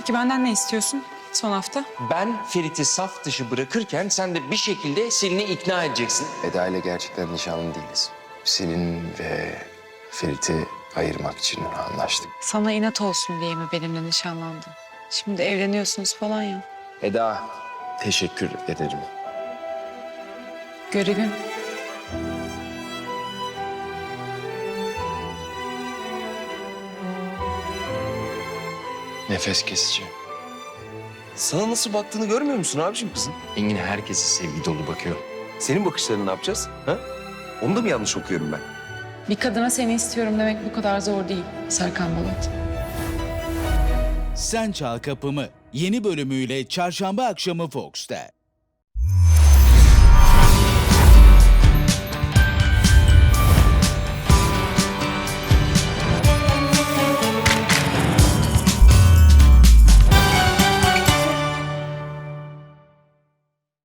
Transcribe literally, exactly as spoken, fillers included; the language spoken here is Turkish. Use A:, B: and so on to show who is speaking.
A: Peki benden ne istiyorsun son hafta?
B: Ben Ferit'i saf dışı bırakırken sen de bir şekilde Selin'i ikna edeceksin.
C: Eda ile gerçekten nişanlı değiliz. Selin ve Ferit'i ayırmak için anlaştık.
A: Sana inat olsun diye mi benimle nişanlandın? Şimdi evleniyorsunuz falan ya.
C: Eda, teşekkür ederim.
A: Görevim.
C: Nefes kesici.
D: Sana nasıl baktığını görmüyor musun abiciğim kızın?
C: Engin herkese sevgi dolu bakıyor.
D: Senin bakışlarını ne yapacağız? Ha? Onu da mı yanlış okuyorum ben?
A: Bir kadına seni istiyorum demek bu kadar zor değil Serkan Balat.
E: Sen Çal Kapımı yeni bölümüyle Çarşamba akşamı Fox'ta.